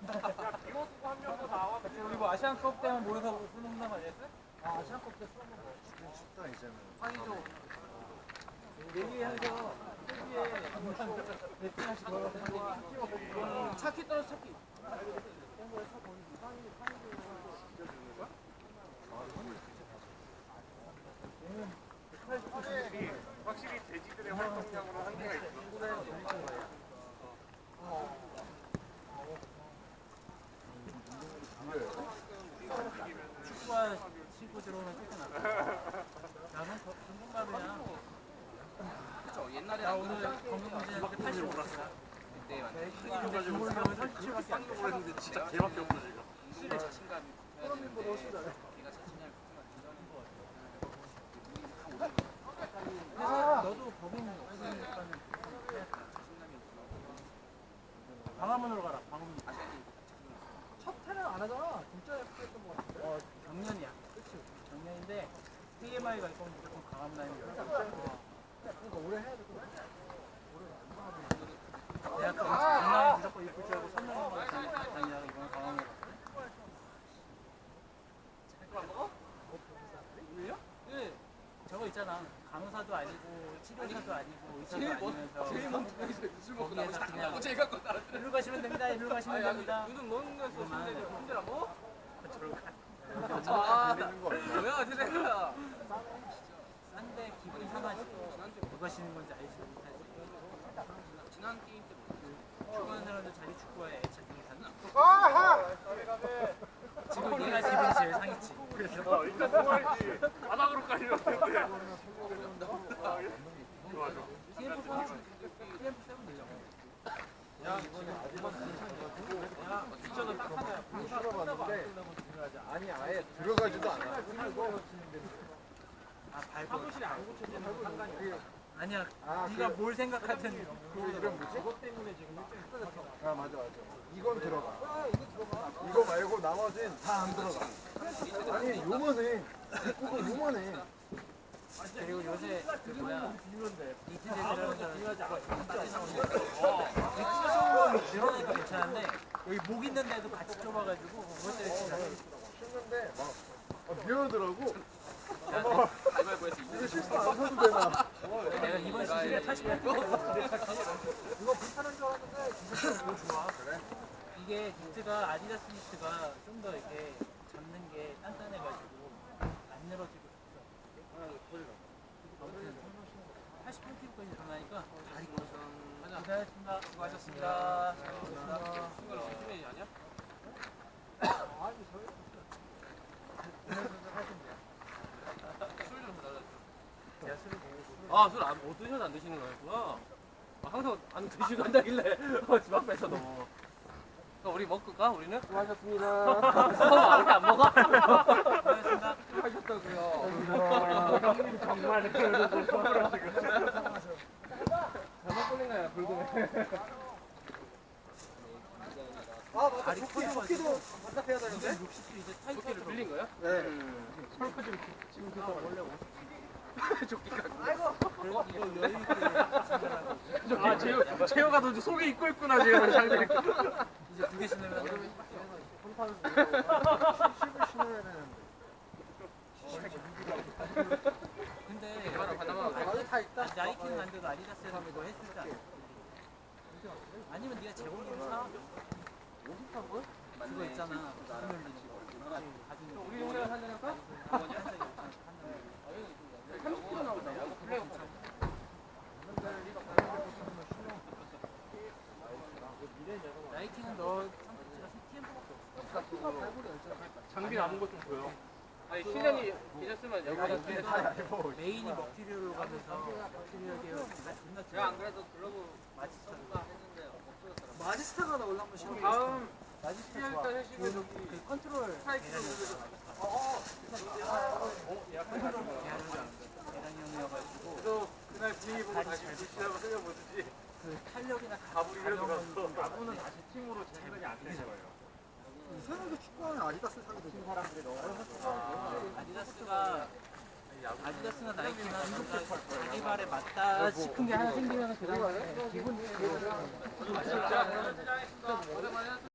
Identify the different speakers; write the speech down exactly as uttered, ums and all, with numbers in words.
Speaker 1: 이거 두고 한 명도 나와. 우리 뭐 아시안컵 때만 모여서 술 먹나 말이었어?
Speaker 2: 아, 아시안컵 때 술 먹는 거 지금 쉽다 이제는.
Speaker 1: 상의도 내기해서 세기에 베트남시 걸어서 차키 떨어져 차키. 확실히 돼지들의 활동량으로 한계가 있어. 축구화 신고 들어오면 쫓겨나. 나는 전문가루야.
Speaker 3: 그쵸, 옛날에
Speaker 1: 나 오늘 건강검진했는데 팔십오 올랐어.
Speaker 3: 그때 완전
Speaker 1: 근데 주물량은 삼십칠밖에 안 돼.
Speaker 3: 했는데 진짜 개밖에 없어 지금. 실내 자신감이 있어야 되는데 걔가 자신감이
Speaker 1: 그래서 너도 법인 없으니까는 광화문으로 가라. 광화문.
Speaker 2: 첫 타는 안 하잖아. 진짜 했던 거 같은데.
Speaker 1: 어, 작년이야. 그치? 작년인데 티엠아이가 있고 무조건 강함 라인이 열어.
Speaker 2: 그러니까 올해 해야 될 것 같아.
Speaker 1: 대학교 강남에 무조건 입을 줄 알고 선명한 다니다가 이번에 강함으로 갔어.
Speaker 3: 그거 안 먹어?
Speaker 1: 우리요? 네. 저거 있잖아. 간호사도 아니고 치료사도 아니고 의사도
Speaker 3: 제일 먼
Speaker 1: 아니면서
Speaker 3: 제일 먼 분야에서 술 먹고
Speaker 1: 거기에서
Speaker 3: 나서
Speaker 1: 그냥
Speaker 3: 딱 제일 갖고 따라.
Speaker 1: 일로 가시면 됩니다. 일로 가시면 됩니다.
Speaker 3: 눈은 먹는 거에서 술래를 혼자 안 먹어?
Speaker 1: 저로 가.
Speaker 3: 아, 뭐야, 세상아.
Speaker 1: 싼데 기분이 상하지. 누가 쉬는 건지 알지 못하지.
Speaker 3: 지난 게임 때 뭐?
Speaker 1: 축구하는 사람들 자기 축구화에 애착이 샀나?
Speaker 2: 아하!
Speaker 1: 지금 얘가 기분이 제일 상했지. 그래서
Speaker 4: 일단 동아리지 바닥으로 깔리면 되는데 좋아 좋아
Speaker 1: 티엠프 사 티엠프 세븐 내려고.
Speaker 2: 야, 이번에 야, 진짜는 딱 하나 봤는데 아니 아예 들어가지도 않아.
Speaker 1: 아 발고 사무실에 안 고쳐지는 상관이 없어. 아니야.
Speaker 2: 아,
Speaker 1: 네가
Speaker 2: 그-
Speaker 1: 뭘 생각하든
Speaker 2: 그 이름 뭐지? 그것 때문에 지금 아 맞아 맞아. 이건 들어가. 이거 말고 나머지는 다 안 들어가. 아니 요만해. 그거 요만해.
Speaker 1: 그리고 요새 그 뭐야 이트 제대라는 사람 엑스가 좁은 늘어나니까 괜찮은데 여기 목 있는데도 같이 좁아가지고 그것 때문에 진짜
Speaker 2: 쉬는데 막 아, 미안하더라고.
Speaker 3: 가위바위보에서
Speaker 2: 이거 실수 안 사도 되나?
Speaker 1: 내가 이번 시즌에 팔십팔 킬
Speaker 2: 이거 불편한 줄 알았는데 진짜 너무 좋아. 그래?
Speaker 1: 이게 니트가 아디다스 니트가 좀 더 이렇게 잡는 게 단단해가지고 안 늘어지고 팔십팔 킬까지 늘어나니까 다리 고생하셨습니다. 수고하셨습니다.
Speaker 3: 순간 요즘에 아니야?
Speaker 2: 아니 저희
Speaker 3: 술좀 달라줘.
Speaker 1: 제가 술을 먹고
Speaker 3: 아, 술 안, 못 드셔도 안 드시는 거였구나. 아, 항상 안 드시고 한다길래 어, 집 앞에서도. 그럼 우리 먹고 가, 우리는?
Speaker 2: 수고하셨습니다.
Speaker 3: 아, 이렇게 안 먹어?
Speaker 1: 수고하셨습니다.
Speaker 3: 하셨다고요.
Speaker 4: 형님 정말 그래도 선물하시고
Speaker 3: 잘못 걸린 거야, 불금에.
Speaker 2: 아 맞다.
Speaker 1: 다리
Speaker 2: 조끼
Speaker 1: 커져가지고.
Speaker 2: 조끼도 반납해야 되는데.
Speaker 1: 육십 킬 이제
Speaker 3: 토끼를
Speaker 1: 타이트로
Speaker 3: 빌린 거야?
Speaker 2: 네.
Speaker 1: 지금 그거 원래 오십
Speaker 3: 조끼가.
Speaker 1: 그래서 이거 여유 있게 생각하고
Speaker 4: 아 재호 재호가 너 속에 입고 있구나 지금 상대
Speaker 1: 이제 두 개 신으면
Speaker 2: 십을 신어야 되는데.
Speaker 1: 근데
Speaker 3: 하나, 하나만.
Speaker 2: 아니 다 있다.
Speaker 1: 나이키는 안 돼도 아디다스에서 그거 했을 때 아니면 네가 제공기를 사 그거 있잖아 무슨 열리는 거
Speaker 3: 우리 용량 한 잔 할까? 삼십 킬로 나오다. 블랙
Speaker 1: 나이키는 너 상태가 티엠프밖에 없어.
Speaker 4: 장비 남은 거 좀 보여
Speaker 3: 아니, 실력이 괜찮으면 여기다
Speaker 2: 알고.
Speaker 1: 메인이 먹튀류로 가면서 먹튀류 계열 다 존나
Speaker 3: 제가 안 그래도 글러브
Speaker 1: 마지스타
Speaker 3: 했는데 없어졌더라고.
Speaker 2: 마지스타가 나 원래 한번 신어.
Speaker 3: 다음
Speaker 1: 마지스타
Speaker 3: 일단
Speaker 1: 좋아
Speaker 3: 해시면
Speaker 1: 그 컨트롤
Speaker 3: 스트라이크
Speaker 1: 계란이 계란이 형이어가지고
Speaker 4: 그래서 그날 분위기 보고 다시 무시하고 흘려보듯이
Speaker 1: 그 탄력이나
Speaker 4: 가브리를
Speaker 1: 가벼움은
Speaker 4: 들어갔어
Speaker 1: 좀
Speaker 4: 가브는 다시 팀으로 제 생각이 안 되는 거예요
Speaker 2: 이상하게 축구하는 아디다스 사게 되는 사람들이 너무
Speaker 1: 아디다스가 아디다스나 나이키나 뭔가 자기 발에 맞다 싶은 게 하나 생기면 그 다음에 기분
Speaker 3: 진짜